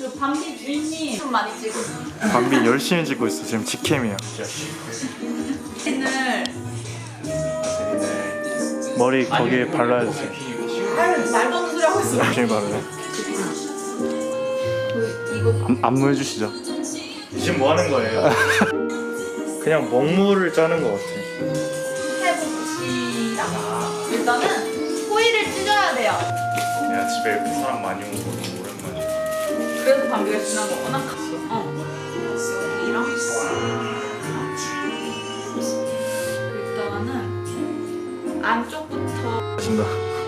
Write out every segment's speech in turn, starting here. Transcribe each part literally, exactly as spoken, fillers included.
그 밤비 주인님 좀 많이 찍고 있어. 밤비 열심히 찍고 있어. 지금 직캠이야. 오늘 머리 거기에 발라야지. 말도 없는 소리 하고 있어. 열심히 바르네. 이거 안, 안무 해주시죠. 지금 뭐 하는 거예요? 그냥 먹물을 짜는 것 같아. 해봅시다. 일단은 호일을 찢어야 돼요. 내가 집에 이렇게 사람 많이 오는 거 너무 오랜만이야. 그래서 밤비가 지난 거구나. 어. 여기랑 일단은 안쪽부터. 마신다.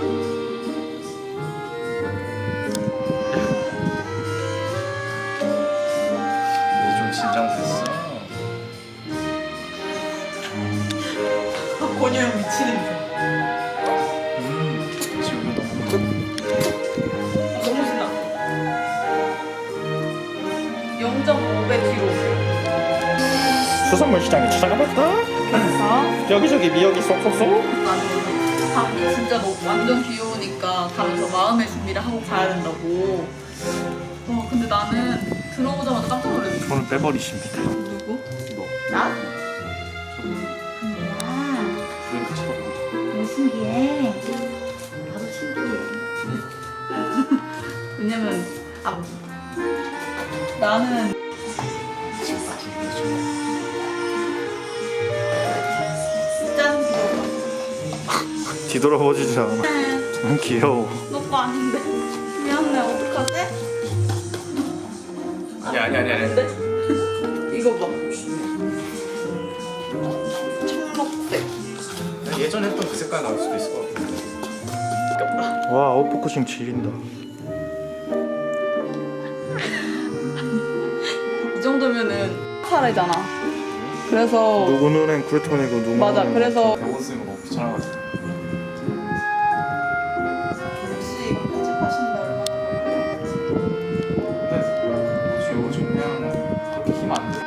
좀 긴장됐어. 권유 형 미치는 음, 지금 너무 너무 신나. 영 점 오백 킬로그램. 수산물 시장에 찾아가봤다. 그래서 여기저기 미역이 쏙쏙쏙. 나는 밤이 진짜 너 완전 귀여우니까 가면서 마음의 준비를 하고 가야 된다고. 와 근데 나는 들어오자마자 깜짝 놀랐어. 손을 빼버리십니다. 누구? 너. 나? 음, 너무 신기해. 나도 신기해. 왜냐면 아 나는 짠 귀여워. 뒤돌아보지지 않아. 너무 귀여워. 너거 아닌데. 미안해. 어떡하지? 아니 아니 아니 아니. 근데 이거 봐. 청록색. 예전에 했던 그 색깔 나올 수도 있을 것 같아. 와 아웃포커싱 지린다. 이 정도면은 살아잖아. 그래서 누구 눈엔 쿨톤이고 누구 맞아, 눈엔 그래서- 대본 쓰는 거 너무 귀찮아가지고. 혹시 이거 편집하시는데 얼마나 걸려요? 근데 뭐지 요즘 그냥 그렇게 힘 안 돼.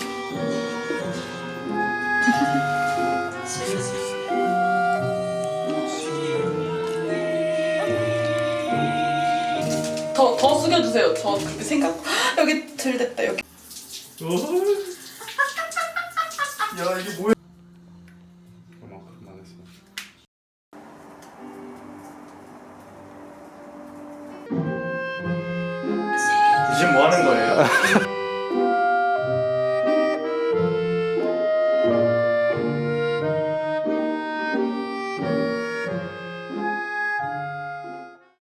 더, 더 숙여주세요. 저 그렇게 생각. 여기 들댔다 여기. 야 이게 뭐야? 그만큼 많았어. 지금 뭐 하는 거예요?